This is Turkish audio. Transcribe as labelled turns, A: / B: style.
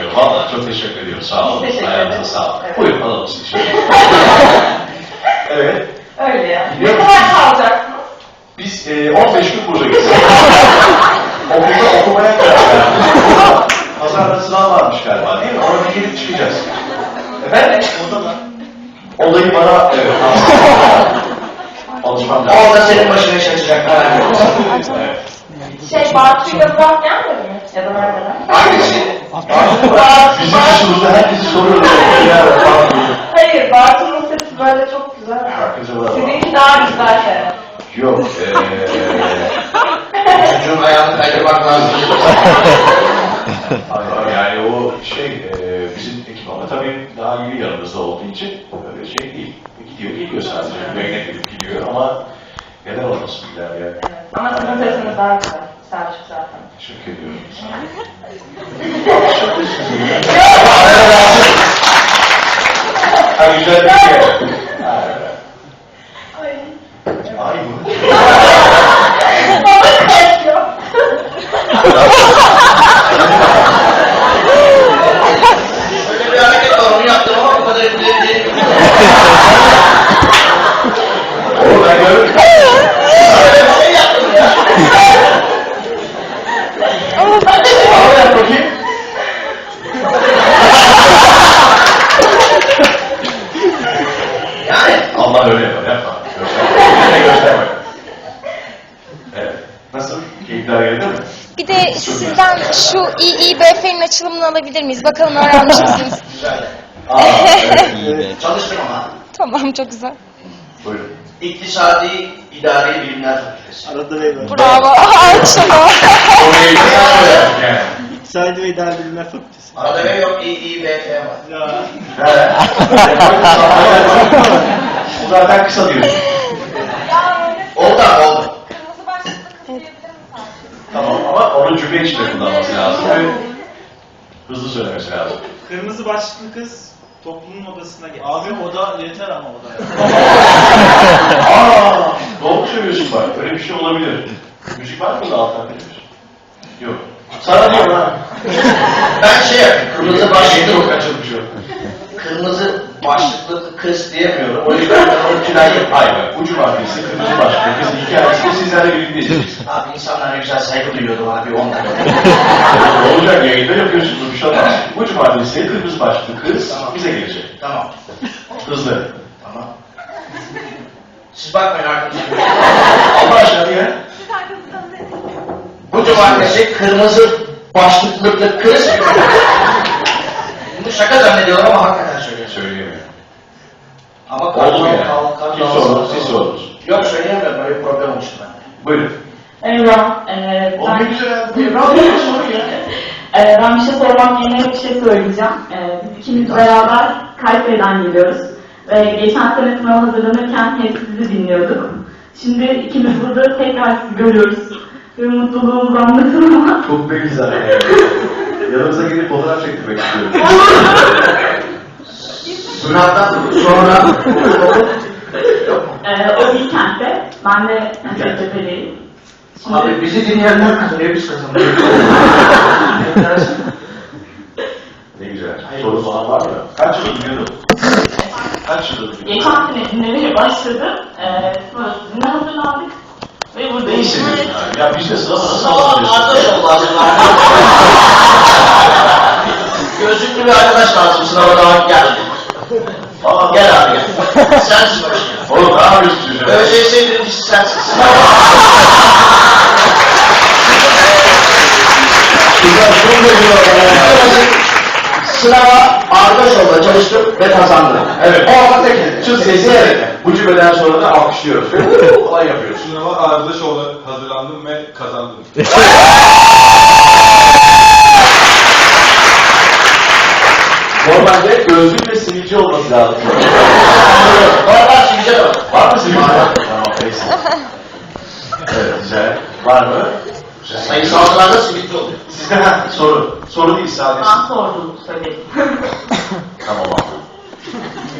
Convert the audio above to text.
A: ediyorum. Vallahi çok teşekkür ediyorum. Sağ olun. Ayağınıza sağlık. Evet. Buyurun alalım sizi şöyle. Evet.
B: Öyle yani. Ne kadar kalacaksınız?
A: Biz 15 gün buradayız. Okulda okumaya karar verdik. Pazarda sınav varmış galiba değil mi? Orada gelip çıkacağız. Efendim? Odada. Olayı bana alışmam lazım.
C: Orada senin başına iş açacaklar.
A: Evet.
B: Bartu'yla Burak gelmedi mi? Ya da neredeler?
C: Hangisi?
A: Bizim dışımızda herkesi soruyoruz.
B: Hayır, Bartu'nun sesi böyle çok güzel. Sizinki daha güzel şey.
A: Yok.
C: Çocuğun ayağını kaydırmak lazım.
A: Yani o bizim ekip ama tabii daha yeni yanımızda olduğu için öyle şey değil. Gidiyor geliyor sadece. Yayına gidip gidiyor ama neden olmasın biler yani.
B: Evet. Ama sizin sesiniz daha güzel. Selçuk zaten.
A: Teşekkür ediyorum. Ha güzel bir şey. Ay bu.
B: Baba kaçıyor.
C: Öyle bir hareket var, onu yaptım ama bu kadar etkileri değil.
A: Oğlum ben görürüm.
C: Öyle bir şey yaptım ya.
A: Al yap bakayım.
C: Yani.
A: Allah öyle yapar, yapma. Gösterme. Gösterme. Evet. Nasıl? Keyifler geldi mi?
D: Bir de sizden şu İİBF'nin açılımını alabilir miyiz? Bakalım öğrenmiş misiniz?
C: Güzel.
A: Evet.
C: Çalıştım ama.
D: Tamam, çok güzel.
A: Buyurun.
C: İktisadi İdari Bilimler Fakültesi.
E: Arada ve var.
D: Bravo. Alçama.
A: Orayı da yani.
E: İktisadi ve İdari Bilimler Fakültesi.
C: Arada ve yok İİBF var.
E: Ya.
A: Evet. Bu zaten kısa diyorsun.
C: Oldu abi oldu.
B: Kırmızı başlıklı kız diyebilir misin?
A: Tamam ama onu cümle içinde kullanması lazım. Evet. Hızlı söylemesi lazım.
E: Kırmızı başlıklı kız toplumun odasına geldi. Abi oda yeter ama oda.
A: Doğru söylüyorsun bak. Öyle bir şey olabilir. Müzik var mı da alttan verir? Yok. Sana diyorum ha.
C: Ben şey yapayım, kırmızı başlıklı
A: Yok açılmış yok.
C: kırmızı başlıklı kız diyemiyorum. O yüzden ben onu tünel yapayım.
A: Hayır bak. Ucu maddesi, kırmızı başlıklı kızın hikayesini sizlerle birlikte izleyeceğiz.
C: Abi insanlar ne güzel saygı duyuyordu bana bir 10 dakika.
A: Ne olacak yayında yapıyorsunuz bir şey olmaz. Ucu maddesi, kırmızı başlıklı kız bize gelecek.
C: Tamam.
A: Hızlı.
C: Tamam. Siz bakmayın arkadaşlar.
A: Allah aşkına ya.
C: Bu cumartesi kırmızı başlıklı kız. Bunu şaka zannediyorum ama hakikaten söylüyorum.
A: Söyleyemiyorum.
C: Ama
A: Oldu mu ya? Kim sordu? Siz
C: siz
A: sordunuz.
C: Yok söyleyemiyorum, böyle bir problem olmuştu bende.
A: Buyurun.
B: Eyvah.
A: O ne güzel ya. Radyo soru ya.
F: Ben bir şey sormak yerine bir şey söyleyeceğim. Biz ikimiz beraber Kayseri'den geliyoruz. Ve geçen sene sınava hazırlanırken hep sizi dinliyorduk. Şimdi ikimiz burada tekrar sizi görüyoruz. Ve mutluluğumuz anlatır ama.
A: Çok da güzel. Yanımıza gelip fotoğraf çektirmek istiyorum.
C: Sınavdan sonra
F: O Bilkent'te. Ben de Hacettepe'liyim.
C: abi bizi dinleyenler kazanıyor, biz kazanıyoruz.
A: Ne güzel. Soru falan var mı? Kaç yıl dinliyordun? Kaç yıl dinliyordun?
F: Geçen sene dinlemeye başladım. Sonra sizinle hazırlandık. Ve
A: Ne
F: buradayım.
A: hissediyorsun abi? Ya biz de sınava nasıl
C: Sınava
A: hazırlıyorsun?
C: arkadaş oldu hazırlar. Gözlüklü bir arkadaş lazım sınava daha geldi.
A: Aa,
C: Gel abi gel. Sensin başına.
A: Oğlum ne yapıyorsun çocuğa?
C: ÖSS birincisi sensin.
A: Güzel, çok da güzel.
C: Sınava arkadaş olmaya çalıştım ve kazandım.
A: Evet.
C: O ama tek.
A: Şu sesi evet. Bu cümleden sonra da alkışlıyoruz. Ve kolay yapıyoruz.
G: Sınava Ardışoğlu'na hazırlandım ve kazandım.
A: Normalde gözlük ve sivilce olması lazım.
C: Var şimdi var.
A: Var mı sivilce? Tamam, neyse. Evet, güzel. Var mı?
C: Sayısallarda sivilce oluyor.
A: Sizde soru. Soru değil sadece.
F: Ben sordum, söyledim.
A: Tamam abi.